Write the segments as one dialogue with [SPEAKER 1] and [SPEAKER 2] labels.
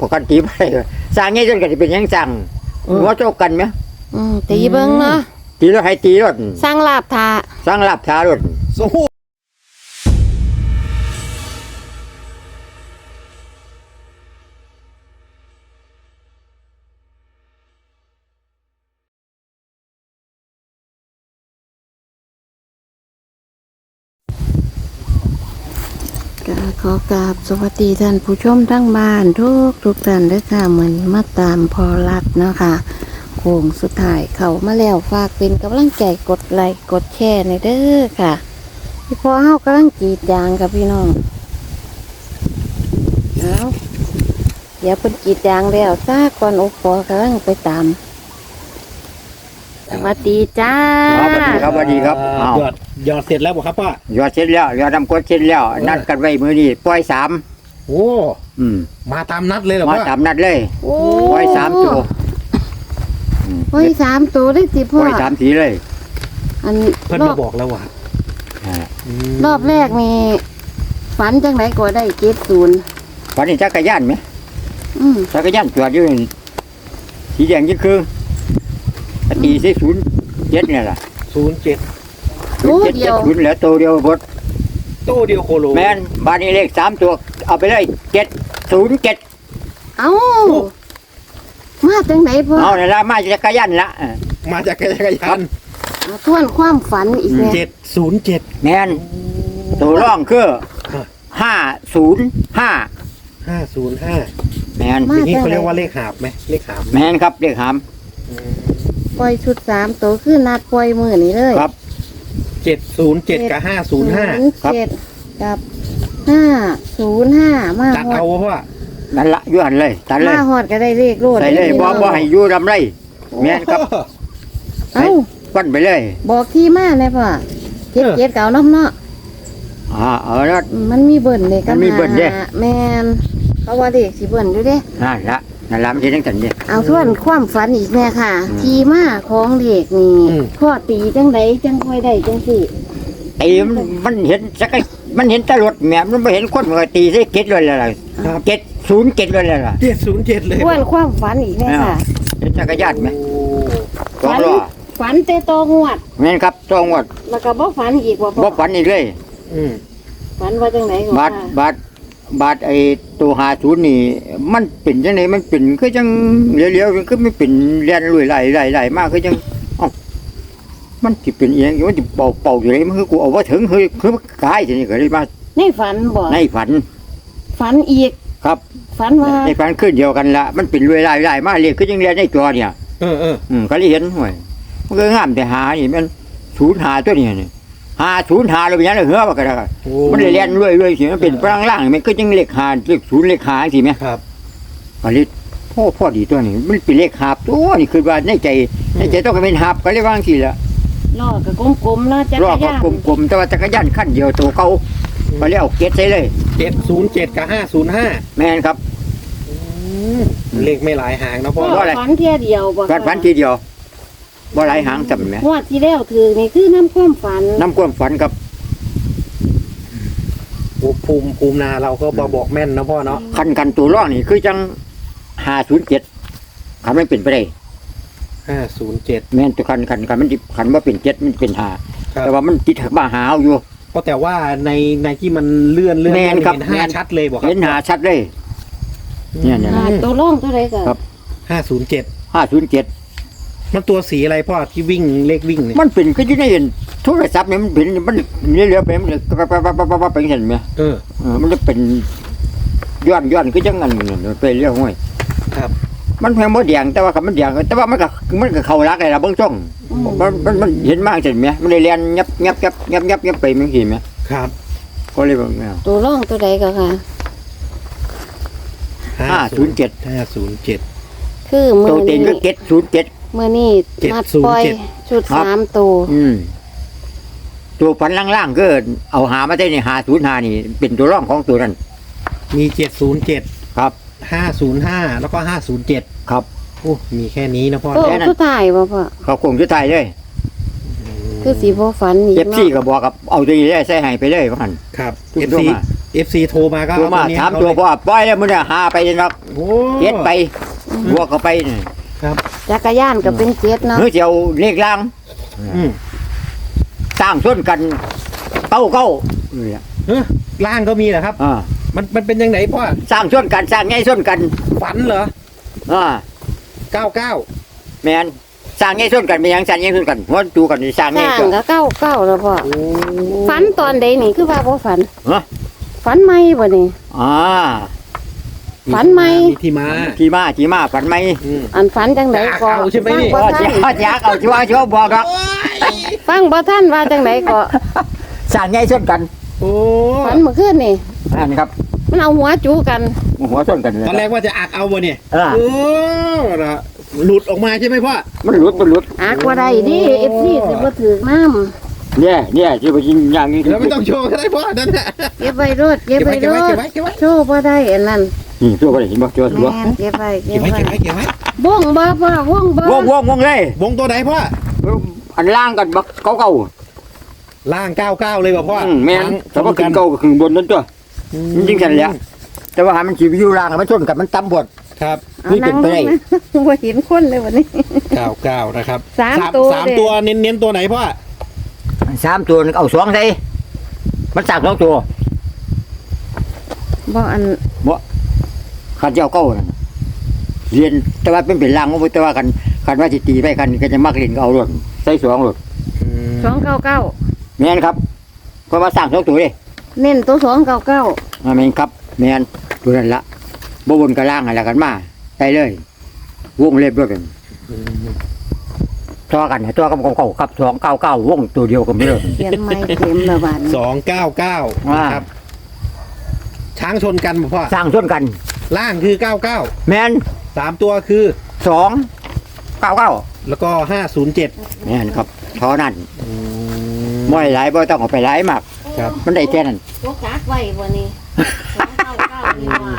[SPEAKER 1] ปกติไปสร้างงี้จนกันเป็นยังสั่งหัวโจกกันไหม
[SPEAKER 2] ตีเบิ้งเนาะ
[SPEAKER 1] ตีรถให้ตีรถ
[SPEAKER 2] สร้างลาบทา
[SPEAKER 1] สร้างลาบทารถ
[SPEAKER 3] สู้
[SPEAKER 2] ขอกราบสวัสดีท่านผู้ชมทั้งบ้านทุกท่านด้วยค่ะเหมือนมาตามพอรัดเนาะค่ะโค้งสุดท้ายเข้ามาแล้วฝากเป็นกำลังใจกดไลค์กดแชร์ในเด้อค่ะพี่พอเฮากำลังกรีดยางกับพี่น้องแล้วเดี๋ยวเป็นกรีดยางแล้วซาก่อนโอปอกำลังไปตามสวัสดีจ้า
[SPEAKER 1] สวัสดีครับ
[SPEAKER 3] หยอดเสร็จแล้วบ่ครับป้า
[SPEAKER 1] หยอดเสร็จแล้วหยอดน้ำกรดเสร็จแล้วนัดกันไว้มื้อนี้ปล่อย3
[SPEAKER 3] โอ้มาตามนัดเลยเหรอ
[SPEAKER 1] มาตามนัดเลยปล่อย3ตัว
[SPEAKER 2] ปล่อย3ตัวได้สิพ่อ
[SPEAKER 1] ปล่อย3สีเลย
[SPEAKER 3] อันเพิ่นมาบอกแล้วว่ะ
[SPEAKER 2] รอบแรกมีฝันจังไหนก็ได้70
[SPEAKER 1] ฝันนี่จักรยานไหมจักรยานจอดอยู่สีแดงยิ่งคือตีใส่07เนี่ยล่ะ
[SPEAKER 3] 07
[SPEAKER 2] ตัวเดียว
[SPEAKER 1] 0แล้วตัวเดียวบด
[SPEAKER 3] ตัวเดียวโคโล
[SPEAKER 1] แม่นบ้านนี้เลข3ตัวเอาไปเลย707
[SPEAKER 2] เอ้ามาจังไหนพ่อ
[SPEAKER 1] เอาเนี่ยละมาจักรยานละ
[SPEAKER 3] มาจากจักรยาน
[SPEAKER 2] ทวนความฝันอีกแล้ว
[SPEAKER 3] 707
[SPEAKER 1] แม่นตัวร่องคือ505แม่น
[SPEAKER 3] อย่างนี้เขาเรียกว่าเลขหาบไหมเลขหาบ
[SPEAKER 1] แม่นครับเลขหาม
[SPEAKER 2] ปล่อยชุด3ตัวคือนัดปล่อยมื้อนี้เลย
[SPEAKER 1] ครับ
[SPEAKER 3] 707กับ505
[SPEAKER 2] ครับกับ505มา
[SPEAKER 3] ตัดเอาเพราะว่า
[SPEAKER 1] นั่นละอยู่หันเลยตัดเลย
[SPEAKER 2] มาฮอดก็ได้เลขโลด
[SPEAKER 1] ใส่เลยบ่ให้อยู่ลำไรแม่นครับ
[SPEAKER 2] เอ้า
[SPEAKER 1] ปั้นไปเลย
[SPEAKER 2] บอกที่มาเลยพ่อ7เก่าน้ำเนาะ
[SPEAKER 1] แล้ว
[SPEAKER 2] มันมีเบิ่นเลย
[SPEAKER 1] กันมีเบิ่นเด้
[SPEAKER 2] แม่นเขาว่าเด็กสิเบิ่นอยู่เด้
[SPEAKER 1] นั่นละมันสิจังซั่นเด้
[SPEAKER 2] เอาทวนความฝันอีกแม่ค่ะที่มาของเด็กนี่พ่อตีจังไดจังค่อยได้จังสิ
[SPEAKER 1] ตีมันเห็นสักมันเห็นตลอดแม่มันไม่เห็นคนมันก็ตีใส่เก็ดเลยล่ะ707เลยล่ะ
[SPEAKER 3] 707เลย
[SPEAKER 2] ทวนความฝันอีกแม่ค่ะ
[SPEAKER 1] จักรยานไหม
[SPEAKER 2] ฝันแต่โตงวด
[SPEAKER 1] แม่นครับโตงวด
[SPEAKER 2] แล้วก็บ่ฝันอีกบ่
[SPEAKER 1] ฝันอีกเลย
[SPEAKER 2] ฝันว่าจังได๋ก็
[SPEAKER 1] บาทไอ้ตัว50นี่มันเป็นจังได๋มันเป็นคือจังเลี้ยวๆคือไม่เป็นเลียนลุยไหลมากคือจังมันสิเป็นอีหยังมันสิเป่าอยู่เลยมันคือกูเอาว่าถึงคือกายจังนี้ก็เลยมา
[SPEAKER 2] ในฝันบ่
[SPEAKER 1] ในฝัน
[SPEAKER 2] อีก
[SPEAKER 1] ครับ
[SPEAKER 2] ฝันว่า
[SPEAKER 1] ในฝันขึ้นเดียวกันละมันเป็นลุยไหลมาเรียกคือจังเรียนในตัวเนี่ยก็เลยเห็นห่วยมันก็งามแต่หานี่มัน05ตัวนี้นี่505แล้วเป็นยังไงเหรอว่าก็ได้มันเรียนรวยสิมันเป็นพลังล่างมันก็จังเลข5เลข0เลข5สิแม่
[SPEAKER 3] ครับ
[SPEAKER 1] ก็เลยพ่อดีตัวนี้มันเป็นเลข5ตัวนี่คือว่าในใจต้องเป็นหาบก็เลยว่าจังซี่ล่ะ
[SPEAKER 2] ล้อก็กลมๆเนาะจักรยาน
[SPEAKER 1] ล้อก็กลมๆแต่ว่าจักรยานคันเดียวตัวเก่าก็เลยเอาเก็ดใส่เลย
[SPEAKER 3] 707กับ505
[SPEAKER 1] แม่นครับ
[SPEAKER 3] เลขไม่หลายหางนะพ่อ
[SPEAKER 2] ฝันเที่ยเดียวบ่
[SPEAKER 1] ฝันทีเดียวบ่หลายหางจำไหม
[SPEAKER 2] ว่าที่แล้วถือนี่คือน้ำความฝัน
[SPEAKER 1] ครับ
[SPEAKER 3] ภูมินาเราก็บอกแม่นนะพ่อเนาะ
[SPEAKER 1] คันตัวร่องนี่คือจัง507คันไม่เป็นไปได้
[SPEAKER 3] 507
[SPEAKER 1] แม่นตัวคันมันคันว่าเป็น7มันเป็น5แต่ว่ามันติดมาหาอยู่
[SPEAKER 3] ก็แต่ว่าในที่มันเลื่อนเห็น5ชัดเลยบอกครับ
[SPEAKER 1] เห็น5ชัดเลยเนี่ย
[SPEAKER 2] ตัวร่องตัวใด
[SPEAKER 1] ครับ
[SPEAKER 3] 507มันตัวสีอะไรพ่อที่วิ่งเลขวิ่งเนี่ย
[SPEAKER 1] มันเป็นก็อยู่ในโทรศัพท์เนี่ยมันเป็นมันเลี้ยวไปมันปั๊บไปเห็นไหมมันจะเป็นย้อนก็จังงั้นไปเรื่อยห้วย
[SPEAKER 3] ครับ
[SPEAKER 1] มันแพงบ่แดงแต่ว่ามันแดงแต่ว่ามันก็เข้ารักเลยล่ะเบิ่งช่องมันเห็นมากเห็นไหมมันเลยเรียนงับไปมันเห็นไหม
[SPEAKER 3] ครับ
[SPEAKER 1] ก็เลยแบบ
[SPEAKER 2] ตัวร่องตัวใดก็ค่ะ
[SPEAKER 1] 507
[SPEAKER 2] คือมือ
[SPEAKER 1] ตัวเต็งก็707
[SPEAKER 2] มื่อนี้นัดปล่อยชุด3ตัว
[SPEAKER 1] ตัวฝันล่างๆก็เอาหามาได้นี่505นี่เป็นตัวร่องของตัวนั้น
[SPEAKER 3] มี707
[SPEAKER 1] ครับ
[SPEAKER 3] 505แล้วก็507
[SPEAKER 1] ครับ
[SPEAKER 3] โอ้มีแค่นี้นะพ่อ
[SPEAKER 2] สุดท้ายบ่พ่อ
[SPEAKER 1] เขาคงสุดท้ายเลย
[SPEAKER 2] คือสิบ่ฝันอีก
[SPEAKER 1] เนาะ FC ก็บอกกับเอาตัวนี้ได้ใส่ให้ไปเลยว่าหั่น
[SPEAKER 3] ครับ
[SPEAKER 1] FC
[SPEAKER 3] FC โทรมาก็
[SPEAKER 1] ตัวมา
[SPEAKER 3] เอนี้
[SPEAKER 1] ถามตัวพ่อปล่อยแล้วมึงเนี่ยหาไปเนาะ
[SPEAKER 3] โอ้
[SPEAKER 1] เจ็ดไปบวกเข้าไปนี่
[SPEAKER 3] ครับ
[SPEAKER 2] จักรยานก็เป็นเจ็ดเนาะ
[SPEAKER 1] เฮ้ยเจียวเลขล่าง
[SPEAKER 3] อืม
[SPEAKER 1] สร้างส้นกันเก้าเนี่ย
[SPEAKER 3] เฮ้ยล่างก็มีเหรอครับ มันเป็นยังไงพ่อ
[SPEAKER 1] สร้างส้นกันสร้างไงส้นกัน
[SPEAKER 3] ฝันเหรอ
[SPEAKER 1] อ่า
[SPEAKER 3] 99
[SPEAKER 1] แมนสร้างไงส้นกันเป็นหยังสร้างไงส้นกันหัวจูกันนี่สร้าง
[SPEAKER 2] ส
[SPEAKER 1] ไง
[SPEAKER 2] ร้าง
[SPEAKER 1] ส้น
[SPEAKER 2] ก็เก้าเก้าแล้วพ่อ
[SPEAKER 3] โอ้
[SPEAKER 2] ฝันตอนใดนี่คือว่าบ่ฝัน
[SPEAKER 1] ฮะ
[SPEAKER 2] ฝันไหมบ่นี่
[SPEAKER 1] อ่า
[SPEAKER 2] ฝันไหม
[SPEAKER 3] มีที่มา
[SPEAKER 1] ขี่มาฝันไหม
[SPEAKER 3] อืม
[SPEAKER 2] อันฝันจังไดก็
[SPEAKER 3] เอาใช่ไหมนี่
[SPEAKER 2] ฟังบ่
[SPEAKER 1] เจี
[SPEAKER 2] ทัน
[SPEAKER 1] ยกเอาชัวบอกหรอก
[SPEAKER 2] ฟังบ่ทันว่าจังไดก็
[SPEAKER 1] สร้างไงส้นกัน
[SPEAKER 3] โอ้
[SPEAKER 2] ฝันเมื่อคืนนี่
[SPEAKER 1] อันนี้ครับ
[SPEAKER 2] มันเอาหัวจูกัน
[SPEAKER 1] หัวส้นกันเลย
[SPEAKER 3] ตอนแรกว่าจะอักเอาบ่เนี่ย
[SPEAKER 1] อ่า
[SPEAKER 3] โอ้นะหลุดออกมาใช่ไหมพ่อ
[SPEAKER 1] มันหลุด
[SPEAKER 2] อากว่าได้ดิ FC สิบ่ถือน้ำ
[SPEAKER 1] เนี่ยที่ไปกินอย่างนี้
[SPEAKER 3] แล้วไม่ต้องโชว์ก็ได้พ่อนั่นแหละ
[SPEAKER 2] เก็บไว้รถเก็บไว้รถ
[SPEAKER 3] เก็บไว้
[SPEAKER 2] โชว์บ่ได้อันนั้น
[SPEAKER 1] นี่ตัวไปเห็นบ่ตัว
[SPEAKER 2] แม่นเก็บไว้เก็บไว้
[SPEAKER 3] เก็บไว้
[SPEAKER 2] บ่งบ่พ่อบ่งบ่
[SPEAKER 1] วงเลย
[SPEAKER 3] วงตัวไหนพ่อ
[SPEAKER 1] อันล่างกันบักเก่า
[SPEAKER 3] ล่าง99เลยป่ะพ่อ
[SPEAKER 1] แม่นแต่ว่าขึ้นเก่าก็ขึ้นบนนั่นตัวจริงๆกันแหละแต่ว่าหามันสิอยู่ล่างมันชนกันมันต่ำบด
[SPEAKER 3] ครับ
[SPEAKER 1] นี่เป็นไปได้
[SPEAKER 2] บ่เห็นคนเลยวันนี้
[SPEAKER 3] 99นะครับ
[SPEAKER 2] สามตัว
[SPEAKER 3] สามตัวเน้นตัวไหนพ่อ
[SPEAKER 1] 3 ตัวเอา2ใส่มันสร้าง2ตัว
[SPEAKER 2] บ่อัน
[SPEAKER 1] ขันเจ้าเก่านั่นเรียนแต่ว่าเป็นล่างแต่ว่าคันว่าสิตีไปกันก็จะมักเล่นก็เอารถใส่2รถ
[SPEAKER 2] 299
[SPEAKER 1] แม่นครับเพราะว่าสร้าง2ตัวเด้
[SPEAKER 2] เน้นตัว299
[SPEAKER 1] แม่นครับแม่นตัวนั้นละบ่บนกับล่างอะไรกันมาไปเลย วงเล็บด้วยกันตัวกันตัวกับเก่าครับ299วงตัวเดียวกันไปเลย
[SPEAKER 2] เขียนไม้เต็มละบาดนี้
[SPEAKER 3] 299นะครับช้างชนกันป่ะพ่อ
[SPEAKER 1] สร้างส่วนกัน
[SPEAKER 3] ล่างคือ99
[SPEAKER 1] แม่น
[SPEAKER 3] 3ตัวคือ
[SPEAKER 1] 299
[SPEAKER 3] แล้วก็507
[SPEAKER 1] แม่นครับเท่านั้นบ่หลายบ่ต้องเอาไปหลายมาก
[SPEAKER 3] ครับ
[SPEAKER 1] มันได้แค่นั้น
[SPEAKER 2] ตัวกักไว้บ่นี่299นี่ว่า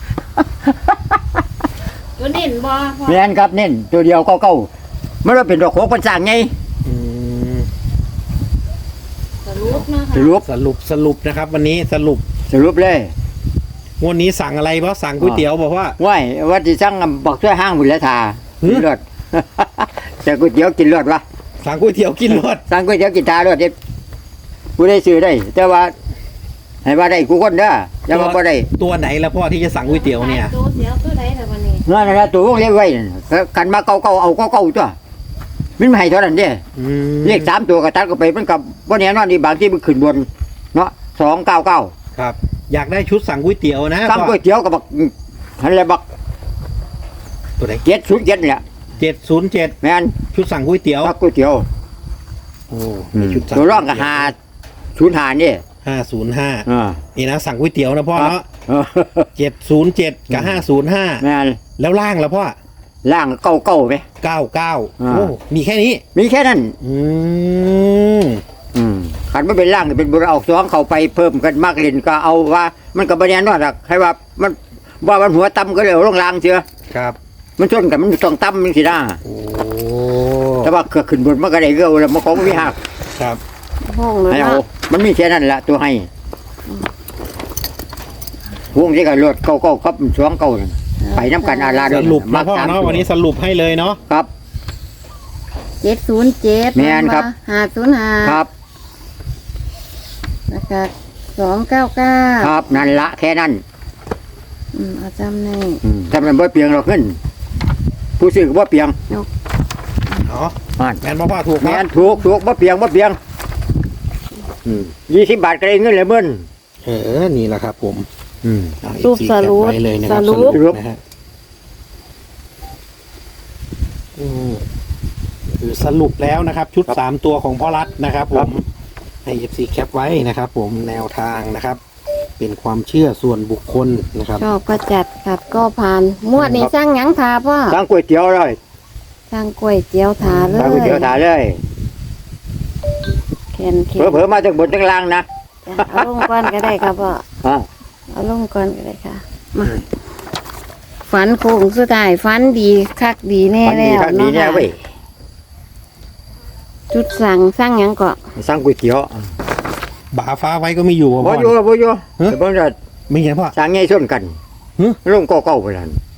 [SPEAKER 2] ตัวเน้นบ่พ่อ
[SPEAKER 1] แม่นครับเน้นตัวเดียว99มันว่าเป็นดอกโขกมันสร้างไง
[SPEAKER 3] อืม
[SPEAKER 2] สรุปนะคะ
[SPEAKER 1] สรุป
[SPEAKER 3] นะครับ วันนี้สรุป
[SPEAKER 1] เลย
[SPEAKER 3] งวดนี้สั่งอะไรเพราะสั่งก๋วยเตี๋ยวบอกว่า
[SPEAKER 1] ว้ายว่าสิสั่งบักช่วยห้างบุญและทา
[SPEAKER 3] หือ
[SPEAKER 1] กินรถ แต่ก๋วยเตี๋ยวกินรถวะ
[SPEAKER 3] สั่งก๋วยเตี๋ยวกินรถ
[SPEAKER 1] สั่งก๋วยเตี๋ยวกินทารถเด้ผู้ได้ซื้อได้ แต่ว่าให้ว่าได้กูคนเด้ออย่าว่าบ่ได้
[SPEAKER 3] ตัวไหนละพ่อที่จะสั่งก๋วยเตี๋ยวเนี่ย
[SPEAKER 2] ตัวเสียวตัวใดล่ะวันนี้
[SPEAKER 1] นั่นน่ะตัววงเล็บไว้นั่นกันมาเก่าๆเอาเก่าๆตัวมันไม่ให้เท่านั้นเด้
[SPEAKER 3] อืม
[SPEAKER 1] เลข3ตัวก็ตัดก็ไปมันกับบ่แน่นอนนี่บางที่มันขึ้นบนเนาะ299
[SPEAKER 3] ครับ อยากได้ชุดสั่งก๋วยเตี๋ยวนะ
[SPEAKER 1] สั่งก๋วยเตี๋ยวกับบักหั่นแหละบัก
[SPEAKER 3] ตัวไหน
[SPEAKER 1] 707นี่แหละ
[SPEAKER 3] 707
[SPEAKER 1] แม่น
[SPEAKER 3] ชุดสั่งก๋วยเตี๋ยว
[SPEAKER 1] บักก๋วยเตี๋ยว
[SPEAKER 3] โอ้มีชุดสั่ง
[SPEAKER 1] ตัวร่องก็505นี่
[SPEAKER 3] 505
[SPEAKER 1] อ่า
[SPEAKER 3] นี่นะสั่งก๋วยเตี๋ยวนะพ่อเนาะ
[SPEAKER 1] เออ
[SPEAKER 3] 707 กับ 505
[SPEAKER 1] แม่น
[SPEAKER 3] แล้วล่างละพ่อ
[SPEAKER 1] ล่างเก่าๆไหม
[SPEAKER 3] 99โอ้มีแค่นี้
[SPEAKER 1] มีแค่นั้น
[SPEAKER 3] อืม
[SPEAKER 1] ขันไม่เป็นล่างเป็นบุญเอาสองเข้าไปเพิ่มกันมากเล่นก็เอาว่า มันก็บรรยายนอดอกให้ว่ามันว่ามันหัวต่ำก็เลยเอาลงล่างเชียว
[SPEAKER 3] ครับ
[SPEAKER 1] มันชนกันมันต้องต่ำมันสินะ
[SPEAKER 3] โอ้
[SPEAKER 1] แต่ว่าเกิดขึ้นบนมันก็ได้เกลือแล้วมันของมันมีหัก
[SPEAKER 3] ครับ
[SPEAKER 2] ห้องเลย
[SPEAKER 1] ให้เอา
[SPEAKER 2] เนาะ
[SPEAKER 1] มันมีแค่นั้นแหละตัวให้วงที่กันรถเก่าๆครับสองเก่านั่นไปน้ำกันอาลา
[SPEAKER 3] สรุปนะพ่อ
[SPEAKER 1] ต
[SPEAKER 3] เนาะวันนี้สรุปให้เลยเนาะ
[SPEAKER 1] ครับ
[SPEAKER 2] 707
[SPEAKER 1] แม่นครับ
[SPEAKER 2] 505
[SPEAKER 1] ครับ
[SPEAKER 2] แล้วก็299
[SPEAKER 1] ครับนั่นละแค่นั้น
[SPEAKER 2] เอาจำใน
[SPEAKER 1] ทำมันบ่เปลียงเราขึ้น ผู้ซื้อก็บ่เปลียง
[SPEAKER 3] เนาะ
[SPEAKER 1] อ่าน
[SPEAKER 3] แมนพ่อถูก
[SPEAKER 1] แม่
[SPEAKER 3] ครับ
[SPEAKER 1] นถูกบ่เปลียง20 บาทก็ได้เงินเลยเบิ้น
[SPEAKER 3] นี่แหละครับผม
[SPEAKER 2] รูปสรุป
[SPEAKER 3] ไว้เลยนะค
[SPEAKER 2] ส
[SPEAKER 3] รับ
[SPEAKER 2] รุป
[SPEAKER 3] นะฮะคือสรุปแล้วนะครับ ชุด3ตัวของพ่อรัฐนะครับ ผมให้ FC แคปไว้นะครับ ผมแนวทางนะครับ เป็นความเชื่อส่วนบุคคลนะครับ
[SPEAKER 2] ชอบก็จัดขัดก็ผ่านมวดนี้สร้างหยังทาพ่อ
[SPEAKER 1] สั่งก๋วยเตี๋ยวเลย
[SPEAKER 2] สร้างก๋วยเตี๋ยวทาเล
[SPEAKER 1] สั่งก๋วย
[SPEAKER 2] ย
[SPEAKER 1] เตี๋ยวถาเลย
[SPEAKER 2] แคนเข็
[SPEAKER 1] เผลอๆมาจากบนจากล่างนะ
[SPEAKER 2] เอาลงก่อนก็ได้ครับพ่อ
[SPEAKER 1] อ่า
[SPEAKER 2] เอาลงก่อนก็ได้ค่ะมาฝันโค้งสุดท้ายฝันดีคักดีแน่
[SPEAKER 1] วันนี้
[SPEAKER 2] แล้ว
[SPEAKER 1] ครับนี้
[SPEAKER 2] เนาะ
[SPEAKER 1] แน่
[SPEAKER 2] ค่ะ
[SPEAKER 1] เว้ย
[SPEAKER 2] จุดสั่งสร้างหยังก็
[SPEAKER 1] สั่งก๋วยเตี๋ยว
[SPEAKER 3] บาฟ้าไว้ก็ไม่อยู่
[SPEAKER 1] บ่
[SPEAKER 3] พ่อ
[SPEAKER 1] อยู่แต่เบิ่งว่า
[SPEAKER 3] ไม่เห็นพ่อ
[SPEAKER 1] สร้างใหญ่ส้นกัน
[SPEAKER 3] หึ
[SPEAKER 1] ลงเก่าๆไปนั่น